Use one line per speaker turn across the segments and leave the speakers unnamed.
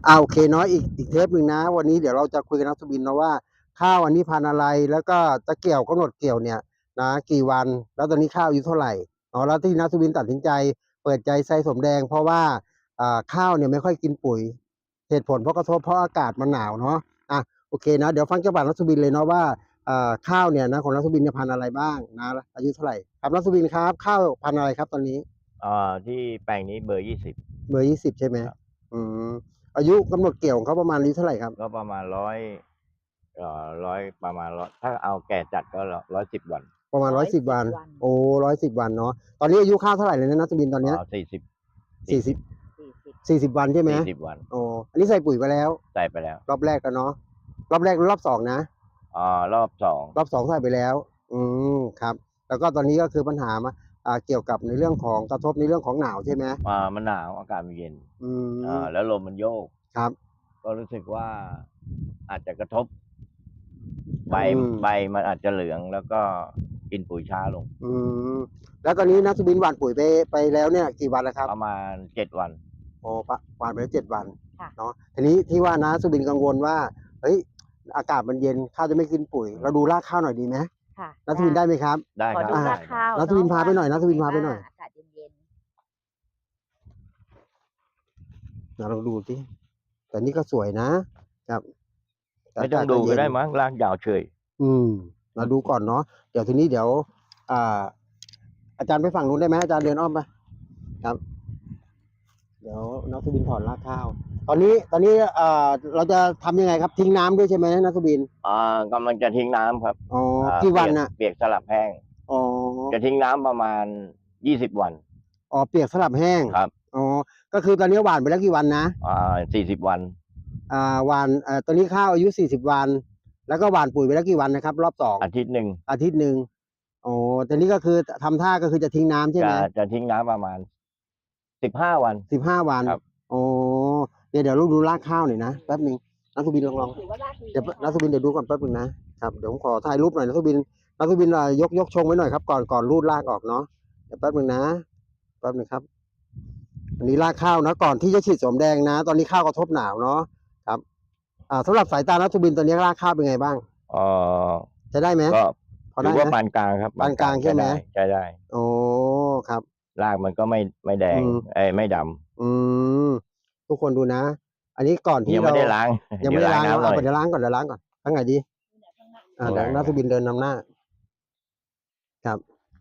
โอเคเนาะอีกเทปหนึ่งนะวันนี้เดี๋ยวเราจะคุยกับนักสุบินนะว่าข้าวอันนี้พันธุ์อะไรแล้วก็จะเกี่ยวกำหนดเกี่ยวเนี่ยนะกี่วันแล้วตอนนี้ข้าวอายุเท่าไหร่เนาะแล้วที่นักสุบินตัดสินใจเปิดใจใส่สมแดงเพราะว่าข้าวเนี่ยไม่ค่อยกินปุ๋ยเหตุผลเพราะกระทบเพราะอากาศมันหนาวเนาะโอเคนะเดี๋ยวฟังจากปากนักสุบินเลยเนาะว่าข้าวเนี่ยนะของนักสุบินเนี่ยพันธุ์อะไรบ้างนะอายุเท่าไหร่ครับนักสุบินครับข้าวพันธุ์อะไรครับตอนนี้
ที่แปลงนี้เบอร์20
เบอร์20ใช่ไหม
ครับ
อืมอายุกำหนดเกี่ยวของเขาประมาณอายุเท่าไหร่ครับ
ก็ประมาณร้อยประมาณร้อยถ้าเอาแก่จัดก็110 วัน
ประมาณ110 วันโอ้110 วันเนาะตอนนี้อายุข้าวเท่าไหร่เลยนะนัทบินตอนเนี้ย
40
40 40 วันใช่ไหม
วัน
โอ้อันนี้ใส่ปุ๋ยไปแล้ว
ใส่ไปแล้ว
รอบแรกแล้วเนาะรอบแรกหรือรอบสองนะ
รอบ2
รอบสองใส่ไปแล้วครับแล้วก็ตอนนี้ก็คือปัญหามาเกี่ยวกับในเรื่องของกระทบในเรื่องของหนาวใช่ไหม
มันหนาวอากาศมันเย็น
ม
แล้วลมมันโยก
ครับ
ก็รู้สึกว่าอาจจะกระทบใบมันอาจจะเหลืองแล้วก็กินปุ๋ยช้าลง
แล้วตอนนี้นัทบินหว่านปุ๋ยไปแล้วเนี่ยกี่วันแล้วครับ
ประมาณ7 วัน
โอ้หว่านไปแล้ว7 วันเนาะทีนี้ที่ว่านะสุบินกังวลว่าเฮ้ยอากาศมันเย็นข้าวจะไม่กินปุ๋ยเราดูรากข้าวหน่อยดีไหม
ค่ะ
นัทวินได้ไหมครับ
ได้
ขอ
ครับ
ดูรากข้าว
นัทวินพาไปหน่อยนัทวินพาไปหน่อย
อากาศเย็น
เราดูสิแต่นี่ก็สวยนะครับ
ไม่ต้องดูก็ได้มั้งรากยาวเฉย
เราดูก่อนเนาะเดี๋ยวทีนี้เดี๋ยวอาจารย์ไปฝั่งนู้นได้ไหมอาจารย์เดินอ้อมไปครับเดี๋ยวนัทวินถอนรากข้าวตอนนี้เราจะทำยังไงครับทิ้งน้ำด้วยใช่ไหมนัทวิน
กำลังจะทิ้งน้ำครับ
อ๋อกี่วันน่ะ
เปียกสลับแห้ง
อ๋อ
จะทิ้งน้ำประมาณ20 วัน
อ๋อเปียกสลับแห้ง
ครับ
อ๋อก็คือตอนนี้หว่านไปแล้วกี่วันนะ
40 วัน
หว่านตอนนี้ข้าวอายุ40 วันแล้วก็หว่านปุ๋ยไปแล้วกี่วันนะครับรอบ2
อาทิตย์หนึ่ง
อ๋อตอนนี้ก็คือทำท่าก็คือจะทิ้งน้ำใช่ไหม
จะทิ้งน้ำประมาณ15 วัน
วัน
ครับ
อ๋อเดี๋ยวลูกดูรากข้าวหน่อยนะแป๊บนึงนักสุบินลองเดี๋ยวนักสุบินเดี๋ยวดูก่อนแป๊บนึงนะครับเดี๋ยวผมขอถ่ายรูปหน่อยนักสุบินยกชงไว้หน่อยครับก่อนรูดรากออกเนาะเดี๋ยวแป๊บนึงครับอันนี้รากข้าวนะก่อนที่จะฉีดสมแดงนะตอนนี้ข้าวกระทบหนาวเนาะครับสำหรับสายตานักสุบินตอนนี้รากข้าวเป็นไงบ้างจะได้ไหม
ก็ถือว่าปานกลางครับ
ปานกลางใช่ไหม
ใช่ได้
โอ้ครับ
รากมันก็ไม่แดงไม่ด
ำทุกคนดูนะอันนี้ก่อนที่
ยังไม่ได้ล้าง
เดี๋ยวล้างก่อนทั้งไงดีเดี๋ยวนักสุบินเดินนำหน้าครับ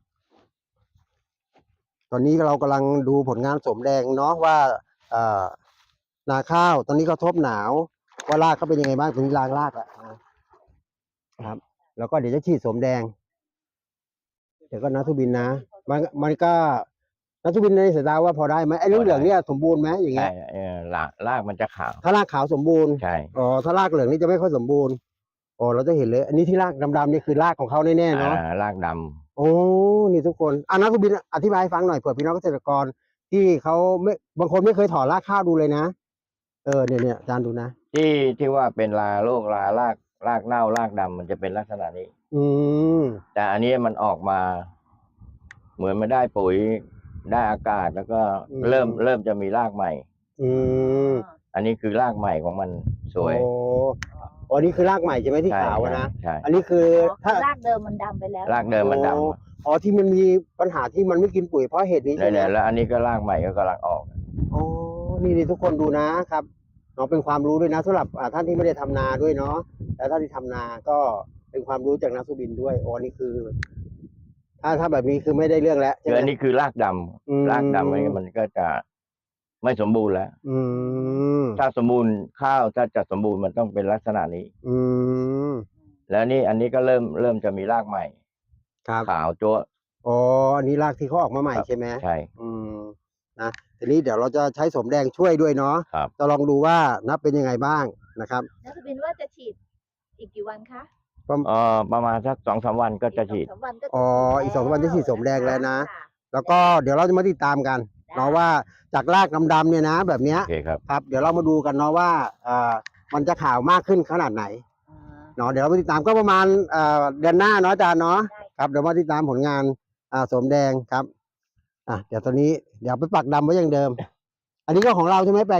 ตอนนี้เรากำลังดูผลงานสมแดงเนาะว่านาข้าวตอนนี้กระทบหนาวว่ารากเขาเป็นยังไงบ้างตรงนี้รากแล้วครับแล้วก็เดี๋ยวจะฉีดสมแดงเดี๋ยวก็นักสุบินนะมันก็นักสุบินในสายตาว่าพอได้ไหมไอ้เหลืองเนี่ยสมบูรณ์ไหมอย่างเงี้ย
รากมันจะขาว
ถ้ารากขาวสมบูรณ์
ใช่
ถ้ารากเหลืองนี่จะไม่ค่อยสมบูรณ์เราจะเห็นเลยอันนี้ที่รากดำๆนี่คือรากของเขาแน่ๆเนาะ
รากดำ
โอ้นี่ทุกคนนักสุบินอธิบายให้ฟังหน่อยเผื่อพี่น้องเกษตรกรที่เขาไม่บางคนไม่เคยถอนรากข้าวดูเลยนะเนี่ยอาจารย์ดูนะ
ที่ว่าเป็นโรครากเน่ารากดำมันจะเป็นลักษณะนี้แต่อันนี้มันออกมาเหมือนไม่ได้ปุ๋ยได้อากาศแล้วก็เริ่มจะมีรากใหม่อันนี้คือรากใหม่ของมันสวย
อันนี้คือรากใหม่ใช่ไหมที่ขาวนะอันนี้คือ
ถ้ารากเดิมมันดำไปแล้ว
รากเดิมมันดำ
ที่มันมีปัญหาที่มันไม่กินปุ๋ยเพราะเหตุนี้ใช่ไหม
แล้วอันนี้ก็รากใหม่ก็กำลังออก
นี่ทุกคนดูนะครับเนาะเป็นความรู้ด้วยนะสำหรับท่านที่ไม่ได้ทำนาด้วยเนาะแล้วท่านที่ทำนาก็เป็นความรู้จากนักสุบินด้วยนี่คือถ้าแบบนี้คือไม่ได้เรื่องแล้ว
อันนี้คือรากดำมันก็จะไม่สมบูรณ์แล้วถ้าสมบูรณ์ข้าวถ้าจะสมบูรณ์มันต้องเป็นลักษณะนี้แล้วนี่อันนี้ก็เริ่มจะมีรากใหม่ขาวจั๊ว
อันนี้รากที่เขาออกมาใหม่ใช่ไหม
ใช่
นะทีนี้เดี๋ยวเราจะใช้สมแดงช่วยด้วยเนาะจะลองดูว่านับเป็นยังไงบ้างนะครับ
นักบินว่าจะฉีดอีกกี่วันคะ
ประมาณสัก2-3 วันก็จะฉีด
อีก2 วันจะฉีดสมแดงแล้วนะแล้วก็เดี๋ยวเราจะมาติดตามกันเนาะว่าจากรากดำๆเนี่ยนะแบบนี้ครับเดี๋ยวเรามาดูกันเนาะว่ามันจะขาวมากขึ้นขนาดไหนเนาะเดี๋ยวเรามาติดตามก็ประมาณเดือนหน้าเนาะอาจารย์เนาะครับเดี๋ยวมาติดตามผลงานสมแดงครับเดี๋ยวตอนนี้เดี๋ยวไปปักดำไว้อย่างเดิมอันนี้ก็ของเราใช่ไหมแปลงนี้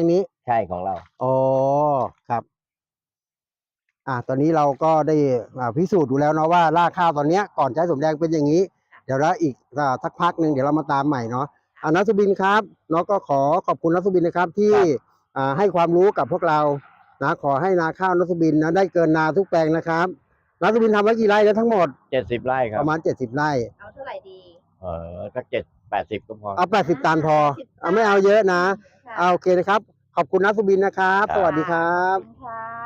ใช่ของเรา
อ๋อครับ ตอนนี้เราก็ได้พิสูจน์ดูแล้วเนาะว่ารากข้าวตอนเนี้ยก่อนใช้สมแดงเป็นอย่างนี้ เดี๋ยวแล้วอีกสักพักหนึ่งเดี๋ยวเรามาตามใหม่เนาะนัทสุบินครับเนาะก็ขอขอบคุณนัทสุบินนะครับที่ให้ความรู้กับพวกเรานะขอให้นาข้าวนัทสุบินนะได้เกินนาทุกแปลงนะครับนัทสุบินทำไว้กี่ไร่แล้วทั้งหมด
70 ไร่ครั
ป
บ
ระมาณ70 ไร่
เอาเท่าไหร่ดี
สัก80 ก็พอ
เอา80 ตันพอไม่เอาเยอะนะโอเคนะครับขอบคุณนัทสุบินนะครับสวัสดีครับ
ขอบคุณค่ะ